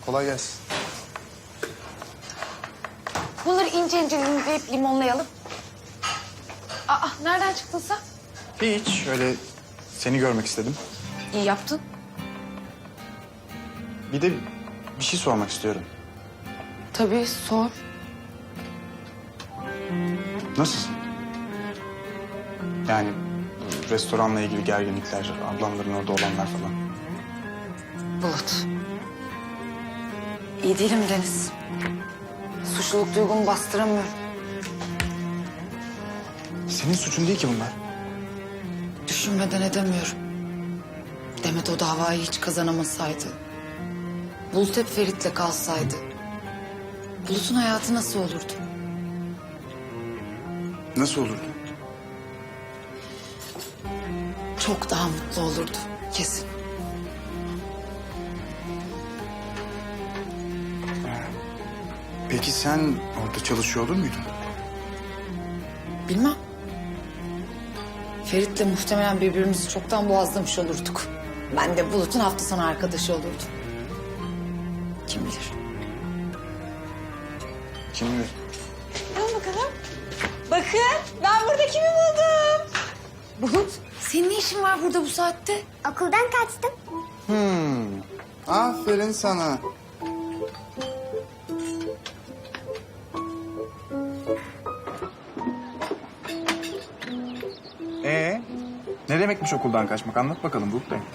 Kolay gelsin. Bunları ince ince dilimleyip limonlayalım. Aa, nereden çıktın sen? Hiç. Öyle seni görmek istedim. İyi yaptın. Bir de bir şey sormak istiyorum. Tabii, sor. Nasılsın? Yani restoranla ilgili gerginlikler, ablamların orada olanlar falan. Bulut. İyi değilim Deniz. Suçluluk duygumu bastıramıyorum. Senin suçun değil ki bunlar. Düşünmeden edemiyorum. Demet o davayı hiç kazanamasaydı. Bulut hep Ferit'le kalsaydı. Bulut'un hayatı nasıl olurdu? Nasıl olurdu? Çok daha mutlu olurdu kesin. Peki sen orada çalışıyor olur muydun? Bilmem. Ferit'le muhtemelen birbirimizi çoktan boğazlamış olurduk. Ben de Bulut'un hafta sonu arkadaşı olurdum. Kim bilir? Kim bilir? Al bakalım. Bakın ben burada kimi buldum. Bulut, senin ne işin var burada bu saatte? Okuldan kaçtım. Aferin sana. Ne demekmiş okuldan kaçmak? Anlat bakalım Bulut Bey.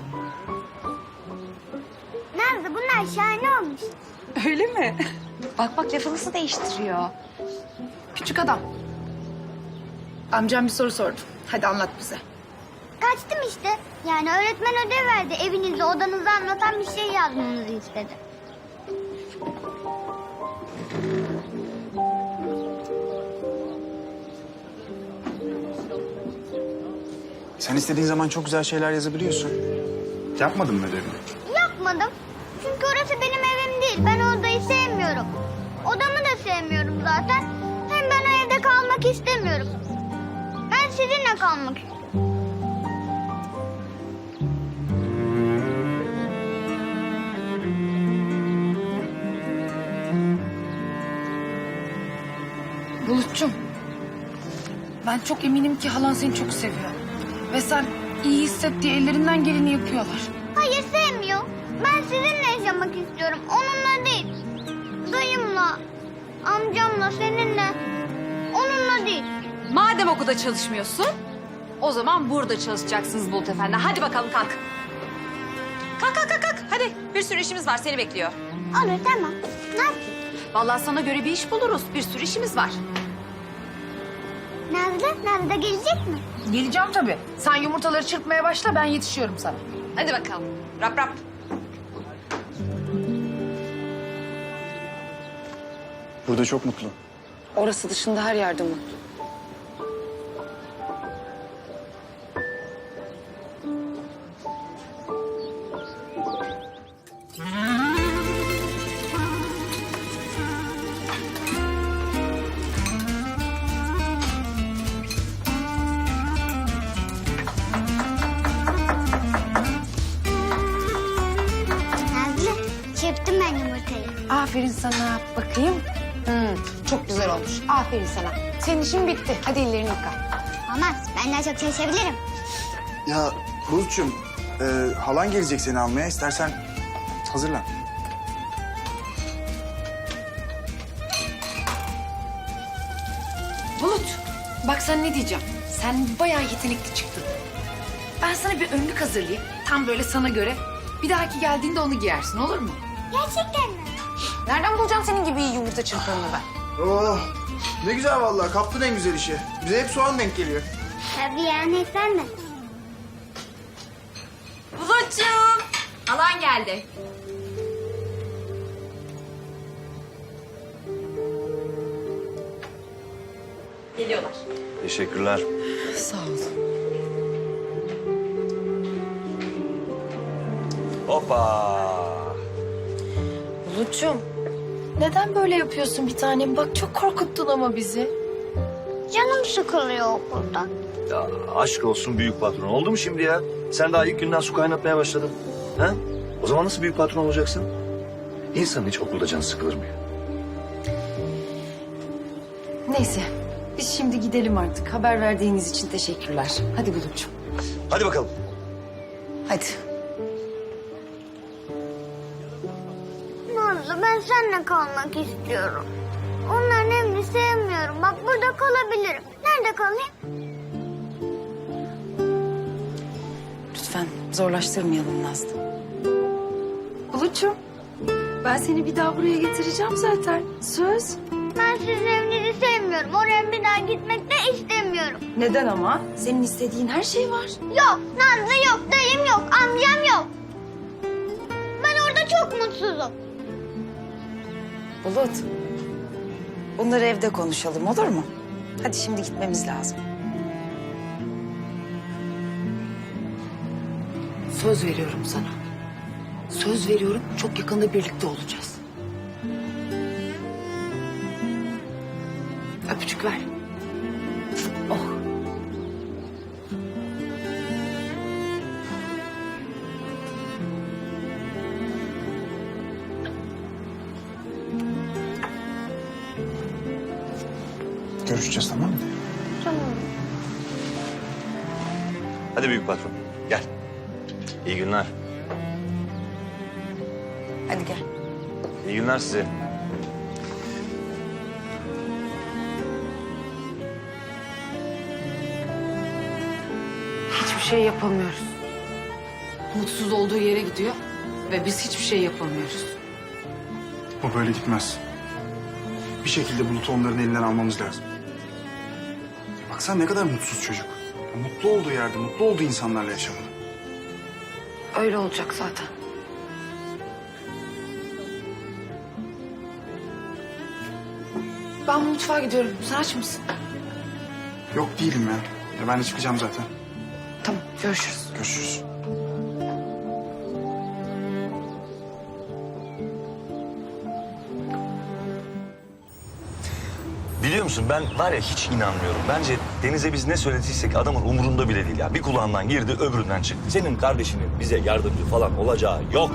Nazlı bunlar şahane olmuş. Öyle mi? Bak bak lafı nasıl değiştiriyor. Küçük adam. Amcam bir soru sordu. Hadi anlat bize. Kaçtım işte. Yani öğretmen ödev verdi. Evinizde odanızı anlatan bir şey yazmanızı istedi. Sen istediğin zaman çok güzel şeyler yazabiliyorsun. Yapmadın mı ödevini? Yapmadım. Çünkü orası benim evim değil. Ben o odayı sevmiyorum. Odamı da sevmiyorum zaten. Hem ben o evde kalmak istemiyorum. Ben sizinle kalmak istiyorum. Bulut'cum. Ben çok eminim ki halan seni çok seviyor. Ve sen iyi hisset diye ellerinden geleni yapıyorlar. Hayır sevmiyor. Ben sizinle yaşamak istiyorum. Onunla değil. Dayımla, amcamla, seninle. Onunla değil. Madem okulda çalışmıyorsun, o zaman burada çalışacaksınız Bulut Efendi. Hadi bakalım kalk. Kalk kalk kalk kalk. Hadi bir sürü işimiz var seni bekliyor. Olur tamam. Ne yapayım? Vallahi sana göre bir iş buluruz. Bir sürü işimiz var. Nazlı da gelecek mi? Geleceğim tabii. Sen yumurtaları çırpmaya başla, ben yetişiyorum sana. Hadi bakalım. Rap rap. Burada çok mutlu. Orası dışında her yerde mutlu. Nazlı çırptım ben yumurtayı. Aferin sana. Bakayım. Çok güzel olmuş. Aferin sana. Senin işin bitti. Hadi ellerini yıka. Olmaz. Ben daha çok çalışabilirim. Ya Bulut'cum, halan gelecek seni almaya. İstersen hazırlan. Bulut, bak sen ne diyeceğim. Sen bayağı yetenekli çıktın. Ben sana bir önlük hazırlayayım. Tam böyle sana göre. Bir dahaki geldiğinde onu giyersin, olur mu? Gerçekten mi? Nereden bulacağım senin gibi iyi yumurta çırpanını ben? Oh, ne güzel vallahi. Kaptın en güzel işi. Bize hep soğan denk geliyor. Tabii yani sen de. Bulut'cum. Alan geldi. Geliyorlar. Teşekkürler. Sağ ol. Hoppa. Bulut'cum, neden böyle yapıyorsun bir tanem? Bak çok korkuttun ama bizi. Canım sıkılıyor okulda. Ya aşk olsun büyük patron. Oldu mu şimdi ya? Sen daha ilk günden su kaynatmaya başladın. Ha? O zaman nasıl büyük patron olacaksın? İnsanın hiç okulda canı sıkılır mı ya? Neyse biz şimdi gidelim artık. Haber verdiğiniz için teşekkürler. Hadi Bulut'cum. Hadi bakalım. Hadi. Nazlı ben seninle kalmak istiyorum. Onların evini sevmiyorum. Bak burada kalabilirim. Nerede kalayım? Lütfen zorlaştırmayalım Nazlı. Bulut'cum ben seni bir daha buraya getireceğim zaten. Söz. Ben sizin evinizi sevmiyorum. Oraya bir daha gitmek de istemiyorum. Neden ama? Senin istediğin her şey var. Yok Nazlı yok, dayım yok, amcam yok. Ben orada çok mutsuzum. Bulut. Bunları evde konuşalım olur mu? Hadi şimdi gitmemiz lazım. Söz veriyorum sana. Söz veriyorum çok yakında birlikte olacağız. Öpücük ver. Oh. Görüşeceğiz, tamam mı? Tamam. Hadi büyük patron. Gel. İyi günler. Hadi gel. İyi günler size. Hiçbir şey yapamıyoruz. Mutsuz olduğu yere gidiyor ve biz hiçbir şey yapamıyoruz. Bu böyle gitmez. Bir şekilde Bulut'u onların elinden almamız lazım. Baksana ne kadar mutsuz çocuk. Mutlu olduğu yerde, mutlu olduğu insanlarla yaşamalı. Öyle olacak zaten. Ben mutfağa gidiyorum. Sen aç mısın? Yok değilim ya. Ben de çıkacağım zaten. Tamam, görüşürüz. Görüşürüz. Biliyor musun ben var ya hiç inanmıyorum. Bence Deniz'e biz ne söylediysek adamın umurunda bile değil ya. Bir kulağından girdi öbüründen çıktı. Senin kardeşinin bize yardımcı falan olacağı yok.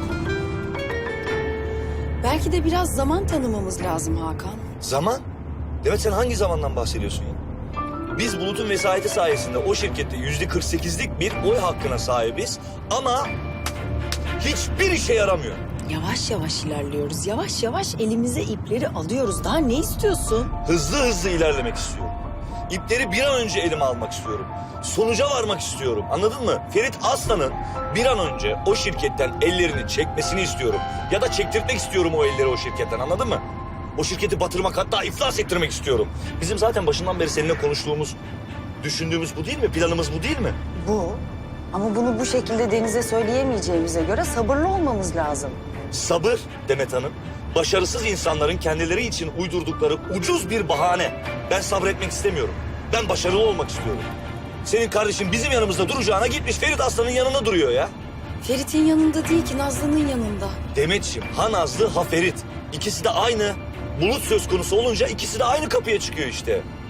Belki de biraz zaman tanımamız lazım Hakan. Zaman? Demet sen hangi zamandan bahsediyorsun ya? Biz Bulut'un vesayeti sayesinde o şirkette %48'lik bir oy hakkına sahibiz. Ama hiçbir işe yaramıyor. Yavaş yavaş ilerliyoruz. Yavaş yavaş elimize ipleri alıyoruz. Daha ne istiyorsun? Hızlı hızlı ilerlemek istiyorum. İpleri bir an önce elime almak istiyorum. Sonuca varmak istiyorum. Anladın mı? Ferit Aslan'ın bir an önce o şirketten ellerini çekmesini istiyorum. Ya da çektirtmek istiyorum o elleri o şirketten. Anladın mı? O şirketi batırmak, hatta iflas ettirmek istiyorum. Bizim zaten başından beri seninle konuştuğumuz, düşündüğümüz bu değil mi? Planımız bu değil mi? Bu. Ama bunu bu şekilde Deniz'e söyleyemeyeceğimize göre sabırlı olmamız lazım. Sabır Demet Hanım, başarısız insanların kendileri için uydurdukları ucuz bir bahane. Ben sabretmek istemiyorum. Ben başarılı olmak istiyorum. Senin kardeşin bizim yanımızda duracağına gitmiş Ferit Aslan'ın yanında duruyor ya. Ferit'in yanında değil ki Nazlı'nın yanında. Demetciğim, ha Nazlı ha Ferit. İkisi de aynı. Bulut söz konusu olunca ikisi de aynı kapıya çıkıyor işte.